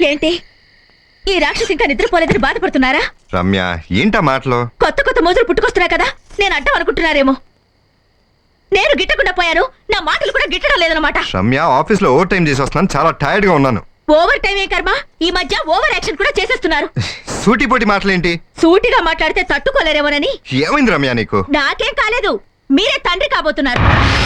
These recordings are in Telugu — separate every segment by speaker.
Speaker 1: ఏంటి ఈ రాక్షసి ఇంకా నిద్రపోలేదని బాధపడుతున్నారా?
Speaker 2: రమ్య ఏంటా మాటలు?
Speaker 1: కొత్త కొత్త మోజులు పుట్టుకొస్తున్నా కదా, నేను అడ్డం అనుకుంటున్నారేమో. నేను గిట్టకుండా పోయాను, నా మాటలు కూడా గిట్టడం లేదన్నమాట.
Speaker 2: రమ్య, ఆఫీస్ లో ఓవర్ టైం చేసి వస్తున్నాను, చాలా టైర్డ్ గా ఉన్నాను.
Speaker 1: ఓవర్ టైం ఏ కర్మ, ఈ మధ్య ఓవర్ యాక్షన్ కూడా చేసేస్తున్నారు.
Speaker 2: సూటిపోటి మాటలేంటి?
Speaker 1: సూటిగా మాట్లాడితే తట్టుకోలేరేమోనని.
Speaker 2: ఏమైంది రమ్య నీకు?
Speaker 1: నాకేం కాలేదు, మీరే తండ్రి కాబోతున్నారు.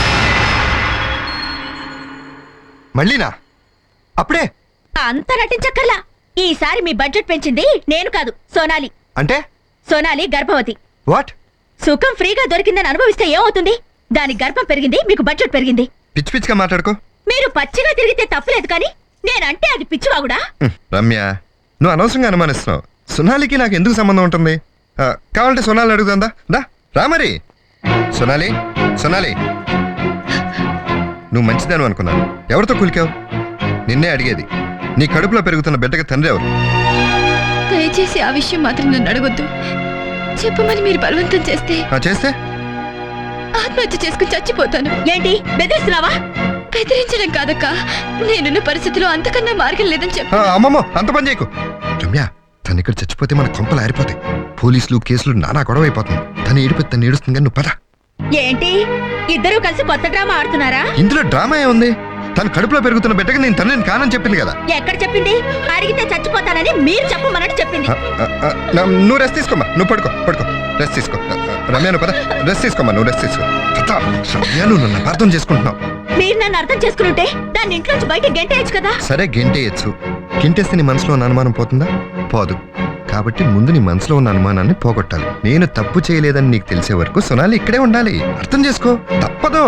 Speaker 2: మళ్ళీనా? అప్పుడే
Speaker 1: అంత నటించక్కర్లా. ఈసారి మీ బడ్జెట్ పెంచింది నేను కాదు, సోనాలి.
Speaker 2: అంటే?
Speaker 1: సోనాలి గర్భవతి.
Speaker 2: వాట్?
Speaker 1: సుఖం ఫ్రీగా దొరికిందని అనుభవిస్తే ఏమవుతుంది? దాని గర్భం పెరిగింది, మీకు బడ్జెట్ పెరిగింది.
Speaker 2: పిచ్చి పిచ్చిగా మాట్లాడుకో.
Speaker 1: మీరు పచ్చిగా తిరిగితే తప్పులేదు, కానీ నేనంటే అది పిచ్చివాగుడా?
Speaker 2: రమ్య, నువ్వు అనవసరంగా అనుమానిస్తున్నావు. సోనాలికి నాకు ఎందుకు సంబంధం ఉంటుంది? కావాలంటే సోనాలి అడుగుతుందా? రా మరి. సోనాలి, సోనాలి, నువ్వు మంచిదాను అనుకున్నాను. ఎవరితో కులికావు? నిన్నే అడిగేది. నీ కడుపులో పెరుగుతున్న బిడ్డకి తండ్రి ఎవరు?
Speaker 3: దయచేసి ఆ విషయం మాత్రం నన్ను అడగొద్దు. చెప్పమని మీరు బలవంతం చేస్తే
Speaker 2: చేస్తే
Speaker 3: ఆత్మహత్య చేసుకుని చచ్చిపోతాను.
Speaker 1: ఏంటి బెదిరిస్తున్నావా?
Speaker 3: బెదిరించడం కాదక్క, నేనున్న పరిస్థితిలో అంతకన్నా మార్గం లేదని చెప్పు.
Speaker 2: అమ్మమ్మో, అంత పని చేయకు. రమ్య, తను ఇక్కడ చచ్చిపోతే మన కొంపలు ఆరిపోతాయి. పోలీసులు కేసులు నానా గొడవ అయిపోతుంది. తను ఏడిపోతే తను ఏడుస్తుంది, కానీ నువ్వు పద.
Speaker 1: ఏంటి ఇద్దరూ కలిసి కొత్త డ్రామా ఆడుతున్నారా?
Speaker 2: ఇందులో డ్రామా ఏముంది? తను కడుపులో పెరుగుతున్న బిడ్డకి నేను తనని కానని చెప్పింది కదా.
Speaker 1: ఎక్కడ చెప్పింది? అడిగితే చచ్చిపోతానని మీరు చెప్పమన్నట్టు చెప్పింది.
Speaker 2: నువ్వు రెస్ట్ తీసుకోమ్మా, నువ్వు పడుకో పడుకో, రెస్ట్ తీసుకో. రమ్య, నువ్వు పద, రెస్ట్ తీసుకోమ్మా, నువ్వు రెస్ట్ తీసుకో. రమ్య, నువ్వు నన్ను అర్థం చేసుకుంటున్నావు.
Speaker 1: మీరు నన్ను అర్థం చేసుకుంటే దాన్ని ఇంట్లోంచి బయట గెంటేయచ్చు కదా.
Speaker 2: సరే, గెంటేయచ్చు. గెంటేస్తే నీ మనసులో ఉన్న అనుమానం పోతుందా? పోదు. కాబట్టి ముందు నీ మనసులో ఉన్న అనుమానాన్ని పోగొట్టాలి. నేను తప్పు చేయలేదని నీకు తెలిసే వరకు సోనాలి ఇక్కడే ఉండాలి. అర్థం చేసుకో, తప్పదు.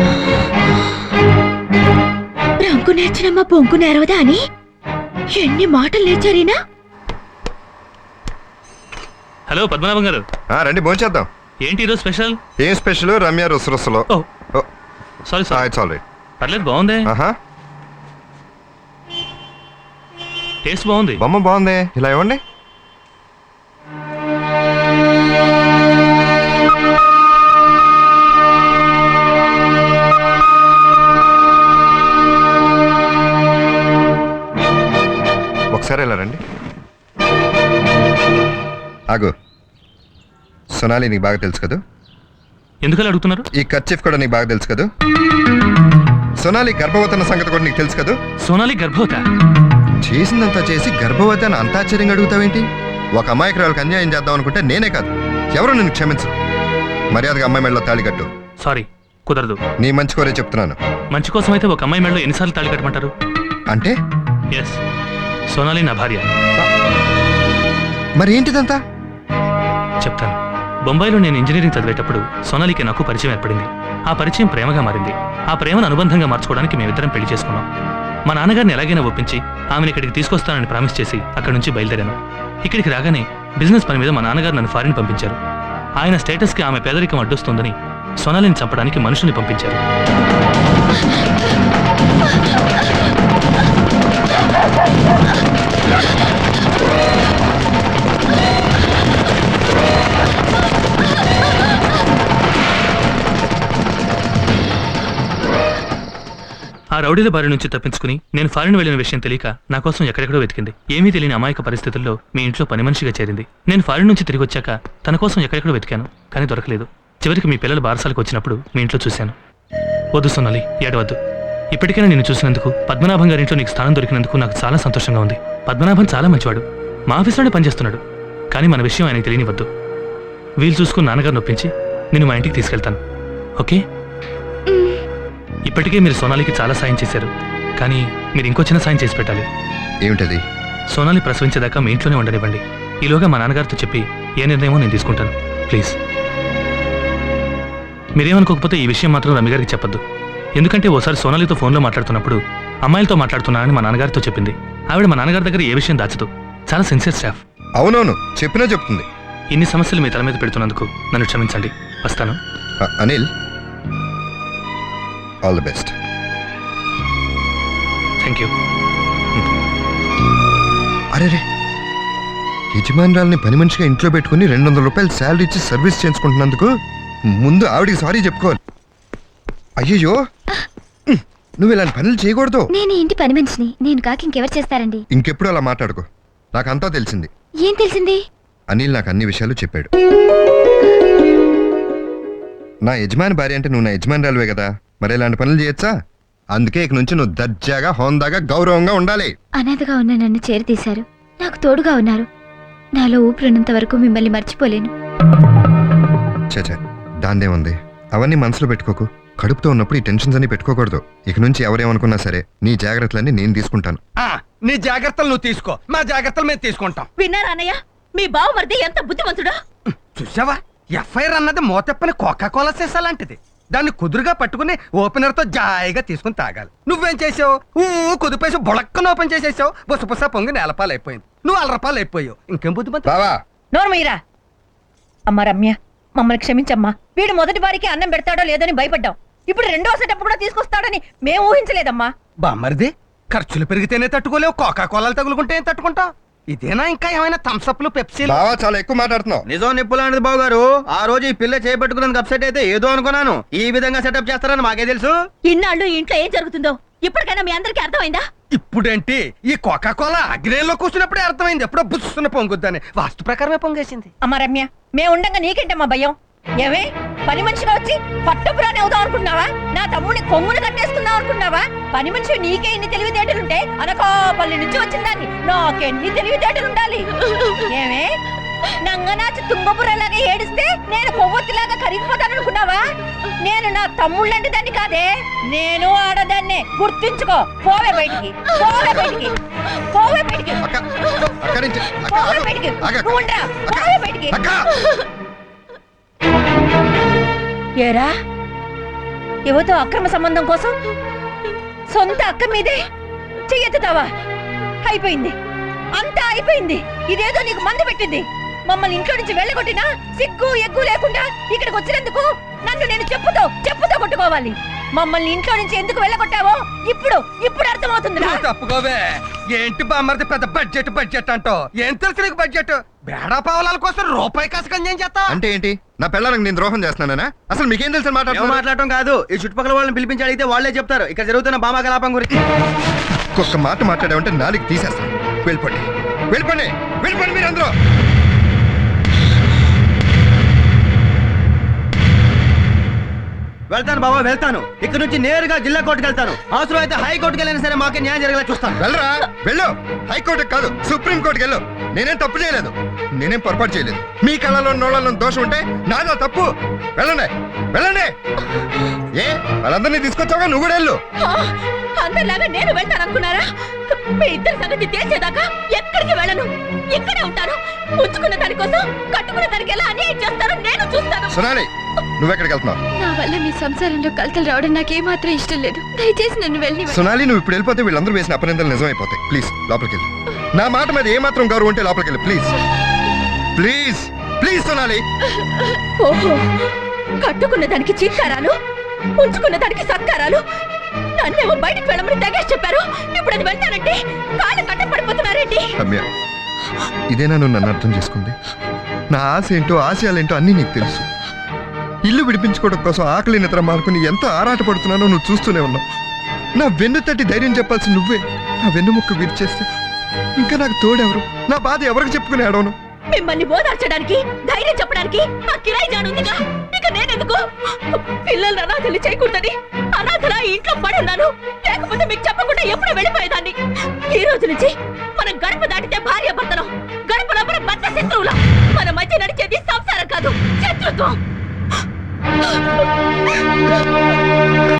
Speaker 1: రంకు నేర్చినమ్మ పొంకు నేరవదా అని ఎన్ని మాటలు నేర్చారీనా?
Speaker 4: హలో పద్మనాభం గారు.
Speaker 2: రండి, భోంచేద్దాం.
Speaker 4: ఏంటి ఈరోజు స్పెషల్?
Speaker 2: ఏం స్పెషల్? రమ్య రుసరుసలో.
Speaker 4: Sorry sorry,
Speaker 2: it's all right.
Speaker 4: పర్లేదు, బాగుంది. టేస్ట్ బాగుంది.
Speaker 2: బొమ్మ బాగుంది. ఇలా ఇవ్వండి. ఒకసారి ఇలా రండి. ఆగు. సోనాలి నీకు బాగా తెలుసు కదా?
Speaker 4: ఎందుకలా అడుగుతున్నారు?
Speaker 2: ఈ కర్చీఫ్ కూడా నీకు బాగా తెలుసు కదా? సోనాలి గర్భవతి అన్న సంగతి కూడా నీకు తెలుసు కదా?
Speaker 4: సోనాలి గర్భవత?
Speaker 2: చేసిందంతా చేసి గర్భవతి అని అంత ఆశ్చర్యంగా అడుగుతావేంటి? ఒక అమాయకురాలకు అన్యాయం చేద్దాం అనుకుంటే నేనే కాదు, ఎవరు నిన్ను క్షమించరు. మర్యాదగా అమ్మాయి మెడలో తాళి కట్టు.
Speaker 4: సారీ, కుదరదు.
Speaker 2: నీ మంచి కోరే చెప్తున్నాను.
Speaker 4: మంచి కోసం అయితే ఒక అమ్మాయి మెడలో ఎన్నిసార్లు తాళి కట్టమంటారు?
Speaker 2: అంటే?
Speaker 4: ఎస్, సోనాలి నా భార్య.
Speaker 2: మరి ఏంటిదంతా?
Speaker 4: చెప్తాను. బొంబాయిలో నేను ఇంజనీరింగ్ చదివేటప్పుడు సోనాలికి నాకు పరిచయం ఏర్పడింది. ఆ పరిచయం ప్రేమగా మారింది. ఆ ప్రేమను అనుబంధంగా మార్చుకోవడానికి మేమిద్దరం పెళ్లి చేసుకున్నాం. మా నాన్నగారిని ఎలాగైనా ఒప్పించి ఆమెను ఇక్కడికి తీసుకొస్తానని ప్రామిస్ చేసి అక్కడి నుంచి బయలుదేరాను. ఇక్కడికి రాగానే బిజినెస్ పని మీద మా నాన్నగారు నన్ను ఫారిన్ పంపించారు. ఆయన స్టేటస్కి ఆమె పేదరికం అడ్డొస్తుందని సోనాలిని చంపడానికి మనుషుల్ని పంపించారు. ఆ రౌడీల బారి నుంచి తప్పించుకుని నేను ఫారిన్ వెళ్లిన విషయం తెలియక నా కోసం ఎక్కడెక్కడో వెతికింది. ఏమీ తెలియని అమాయక పరిస్థితుల్లో మీ ఇంట్లో పని మనిషిగా చేరింది. నేను ఫారిన్ నుంచి తిరిగి వచ్చాక తన కోసం ఎక్కడెక్కడో వెతికాను, కానీ దొరకలేదు. చివరికి మీ పిల్లలు బారసాలకు వచ్చినప్పుడు మీ ఇంట్లో చూశాను. వద్దు సోనాలి, ఏడవద్దు. ఇప్పటికైనా నేను చూసినందుకు, పద్మనాభం గారింట్లో నీకు స్థానం దొరికినందుకు నాకు చాలా సంతోషంగా ఉంది. పద్మనాభం చాలా మంచివాడు, మా ఆఫీస్లోనే పనిచేస్తున్నాడు. కానీ మన విషయం ఆయనకి తెలియనివద్దు. వీలు చూసుకుని నాన్నగారు నొప్పించి నేను మా ఇంటికి తీసుకెళ్తాను, ఓకే? ఇప్పటికే మీరు సోనాలికి చాలా సాయం చేశారు, కానీ మీరు ఇంకో చిన్న సాయం చేసి పెట్టాలి.
Speaker 2: ఏమిటది?
Speaker 4: సోనాలి ప్రసవించేదాకా మీ ఇంట్లోనే ఉండనివ్వండి. ఈలోగా మా నాన్నగారితో చెప్పి ఏ నిర్ణయమో నేను తీసుకుంటాను, ప్లీజ్. మీరేమనుకోకపోతే ఈ విషయం మాత్రం రమ్య గారికి చెప్పొద్దు. ఎందుకంటే ఓసారి సోనాలితో ఫోన్లో మాట్లాడుతున్నప్పుడు అమ్మాయిలతో మాట్లాడుతున్నానని మా నాన్నగారితో చెప్పింది. ఆవిడ మా నాన్నగారి దగ్గర ఏ విషయం దాచదు, చాలా సిన్సియర్ స్టాఫ్.
Speaker 2: అవునవును, చెప్పినా చెప్తుంది.
Speaker 4: ఇన్ని సమస్యలు మీ తల మీద పెడుతున్నందుకు నన్ను క్షమించండి. వస్తాను.
Speaker 2: Anil, all the best.
Speaker 4: Thank you.
Speaker 2: అరే, యజమానురాల్ని పని మనిషిగా ఇంట్లో పెట్టుకుని 200 రూపాయలు శాలరీ ఇచ్చి సర్వీస్ చేయించుకుంటున్నందుకు ముందు ఆవిడికి సారీ చెప్పుకోవాలి. అయ్యయ్యో, నువ్వు ఇలాంటి పనులు చేయకూడదు.
Speaker 3: నేను ఈ ఇంటి పని మనిషిని, నేను కాక ఇంకెవరు చేస్తారండి?
Speaker 2: ఇంకెప్పుడు అలా మాట్లాడుకో. నాకంతా తెలిసింది.
Speaker 3: ఏం తెలిసింది?
Speaker 2: అనిల్ నాకు అన్ని విషయాలు చెప్పాడు. నా యజమాని భార్య అంటే నువ్వు నా యజమానిరాలువే కదా, మరి ఇలాంటి పనులు చేయొచ్చా? అందుకే ఇక నుంచి నువ్వు దర్జాగా, హోందాగా, గౌరవంగా ఉండాలి.
Speaker 3: అనాథగా ఉన్న నన్ను చేరతీశారు, నాకు తోడుగా ఉన్నారు. నాలో ఊపిరినంత వరకు మిమ్మల్ని మర్చిపోలేను.
Speaker 2: చచా, దాందేముంది, అవన్నీ మనసులో పెట్టుకోకు. కడుపుతో ఉన్నప్పుడు ఈ టెన్షన్స్ అన్ని పెట్టుకోకూడదు. ఇక నుంచి ఎవరేమనుకున్నా సరే నీ జాగ్రత్తలన్నీ నేను తీసుకుంటాను.
Speaker 5: నీ జాగ్రత్తలు నువ్వు తీసుకో, మా జాగ్రత్తలు మేము తీసుకుంటాం.
Speaker 1: విన్నారా అన్నయ్య? మీ బావమరిది ఎంత బుద్ధిమంతుడో.
Speaker 5: చూసావా, ఎఫ్ఐఆర్ అన్నది మోతెప్పని కోకాకోలా సీసా లాంటిది. దాన్ని కుదురుగా పట్టుకుని ఓపెనర్ తో జాయిగా తీసుకుని తాగాలి. నువ్వేం చేసావు? కుదిపేసి బొళక్కన ఓపెన్ చేసేసావు. బుసబుస పొంగి నేలపాలు అయిపోయింది. నువ్వు 1 రూపాయలు అయిపోయావు. ఇంకేం బుద్ధిమంత
Speaker 2: బావా,
Speaker 1: నోర్మయ్యరా. అమ్మ రమ్య, మమ్మల్ని క్షమించమ్మా. వీడు మొదటి వారికి అన్నం పెడతాడో లేదని భయపడ్డాం. ఇప్పుడు రెండో సెటప్ కూడా తీసుకొస్తాడని మేము ఊహించలేదమ్మా.
Speaker 5: బామ్మరిది, ఖర్చులు పెరిగితేనే తట్టుకోలేవు, కోకాకోలాలు తగులుకుంటే ఏం తట్టుకుంటావు? ఇదేనా ఇంకా ఏమైనా థమ్స్అప్లు, పెప్సీలు?
Speaker 2: బావా చాలా ఎక్కువ మాట్లాడుతున్నావు.
Speaker 6: నిజం నిప్పు లాంటిది బాబు గారు. ఆ రోజు ఈ పిల్ల చేపట్టుకున్నందుకు అప్సెట్ అయితే ఏదో అనుకున్నాను. ఈ విధంగా సెటప్ చేస్తారని మాకే తెలుసు.
Speaker 1: ఇన్నాళ్ళు ఈ ఇంట్లో ఏం జరుగుతుందో ఇప్పటికైనా మీ అందరికీ అర్థమైందా?
Speaker 5: ఇప్పుడేంటి, ఈ కోకాకోలా అగ్నేయంలో కూర్చున్నప్పుడే అర్థమైంది. ఎప్పుడో బుస్సున పొంగుద్దని. వాస్తు ప్రకారమే పొంగేసింది.
Speaker 1: అమ్మ రమ్య, మేము ఉండంగా నీకేంటమ్మా భయం? ఏమే పని మనిషిగా వచ్చి పట్టపురాని అవుదాం అనుకున్నావా? నా తమ్ముడిని కొంగును కట్టేసుకుందాం అనుకున్నావా? పని మనిషి నీకే ఇన్ని తెలివితేటలుంటే అనకాపల్లి నుంచి వచ్చిందాన్ని నాకెన్ని తెలివితేటలు ఉండాలి? ఏమే నంగనాచి తుంగపురలాగా ఏడిస్తే నేను కొవ్వొత్తిలాగా కరిగిపోతాననుకున్నావా? నేను నా తమ్ముళ్ళంటి దాన్ని కాదే, నేను ఆడదాన్నే. గుర్తుంచుకో. పోవే బయటికి, పోవే బయటికి, పోవే బయటికి,
Speaker 2: అక్క, అక్కడి నుంచి, అక్క,
Speaker 1: పోవే
Speaker 2: ఆగు.
Speaker 1: బయటికి.
Speaker 2: ఆగు.
Speaker 1: నువ్వు ఉండరా, పోవే బయటికి.
Speaker 2: అక్క.
Speaker 1: ఏరా, యువతో అక్రమ సంబంధం కోసం సొంత అక్క మీదే చెయ్యెత్తుతావా? అయిపోయింది, అంతా అయిపోయింది. ఇదేదో నీకు మందు పెట్టింది. మమ్మల్ని ఇంట్లో నుంచి వెళ్ళగొట్టినా సిగ్గు ఎగ్గు లేకుండా ఇక్కడికి వచ్చినందుకు నన్ను నేను చెప్పుతో కొట్టుకోవాలి. మమ్మల్ని ఇంట్లో నుంచి ఎందుకు వెళ్ళగొట్టావో ఇప్పుడు అర్థమవుతుంది.
Speaker 5: నువ్వు తప్పుకోవే. ఏంటి బామ్మరిది పెద్ద బడ్జెట్ అంటో? ఏం తెలుసు నీకు బడ్జెట్? బేడా పావలాల కోసం రూపాయి కాసుకొని ఏం చేస్తా?
Speaker 2: అంటే ఏంటి, నా పిల్లలకు నేను ద్రోహం చేస్తున్నానా? అసలు మీకేం తెలుసు
Speaker 6: ఏం మాట్లాడటం కాదు, ఈ చుట్టుపక్కల వాళ్ళని పిలిపించి అడిగితే వాళ్ళే చెప్తారు ఇక్కడ జరుగుతున్న బామా కలాపం గురించి.
Speaker 2: ఒక్క మాట మాట్లాడామంటే నాలుగు తీసేస్తాను. వెళ్ళిపోండి, వెళ్ళిపోండి, వెళ్ళిపోండి మీరు అందరూ.
Speaker 6: వెళ్తాను బాబా, వెళ్తాను. ఇక్కడ నుంచి నేరుగా జిల్లా కోర్టుకు వెళ్తాను. అవసరం అయితే హైకోర్టుకి వెళ్ళినా సరే మాకే న్యాయం జరిగేలా చూస్తాను.
Speaker 2: వెళ్ళరా, వెళ్ళు. హైకోర్టుకి కాదు, సుప్రీం కోర్టుకి వెళ్ళు. నేనేం తప్పు చేయలేదు, నేనేం పొరపాటు చేయలేదు. మీ కళలో నోళ్ళలో దోషం ఉంటే నాదా తప్పు. వెళ్ళండి, వెళ్ళండి. ఏ వాళ్ళందరినీ తీసుకొచ్చావుగా, నువ్వు కూడా వెళ్ళు.
Speaker 1: అందరిలాగా నేను వెళ్తాననుకున్నారా? మీ ఇద్దరి సంగతి తేల్చేదాకా ఎక్కడికి వెళ్ళను, ఇక్కడే ఉంటాను. ఉంచుకున్న దానికోసం కట్టుకున్న దానికి ఎలా అన్యాయం చేస్తారో నేను చూస్తాను.
Speaker 2: సునాలి, నువ్వెక్కడికి వెళ్తున్నావు?
Speaker 3: నా వల్ల మీ సంసారంలో కలతలు రావడం నాకేమాత్రం ఇష్టం లేదు. దయచేసి నన్ను వెళ్ళి.
Speaker 2: సునాలి, నువ్వు ఇప్పుడు వెళ్ళిపోతే వీళ్ళందరూ వేసిన అపనిందలు నిజమైపోతాయి. ప్లీజ్ లోపలికి వెళ్ళు. నా మాట మీద ఏమాత్రం గౌరవం ఉంటే లోపలికి వెళ్ళు. Please please please Sunali.
Speaker 1: ఓహో, కట్టుకున్న దానికి చీత్కారాలు, ఉంచుకున్న దానికి సత్కారాలు. నన్నేమో బయటకు వెళ్ళమని తెగేసి చెప్పారు. ఇప్పుడు అది వెళ్తానంటే కాళ్ళు కట్టపడిపోతున్నారేంటి?
Speaker 2: రమ్య, ఇదేనా నువ్వు నన్ను అర్థం చేసుకుంది? నా ఆశ ఏంటో, ఆశయాలేంటో అన్నీ నీకు తెలుసు. ఇల్లు విడిపించుకోవడం కోసం ఆకలి నిద్ర మానుకుని ఎంత ఆరాటపడుతున్నానో నువ్వు చూస్తూనే ఉన్నావు. నా వెన్ను తట్టి ధైర్యం చెప్పాల్సి నువ్వే నా వెన్నుముక్క విరిచేస్తే ఇంకా నాకు తోడెవరు? నా బాధ ఎవరికి చెప్పుకుని ఆడవను?
Speaker 1: మిమ్మల్ని ఓదార్చడానికి, ధైర్యం చెప్పడానికి ఆ కిరాయి జానుందిగా. ఇక నేనెందుకు? పిల్లలు అనాథలు చేయకూడదని అనాథలా ఇంట్లో పడున్నాను. లేకపోతే మీకు చెప్పకుండా ఎప్పుడో వెళ్ళిపోయేదాన్ని. ఈ రోజు నుంచి మనం గడప దాటితే భార్య భర్తలం, గడప లోపల భర్త శత్రువులం. మన మధ్య నడిచేది సంసారం కాదు, శత్రుత్వం.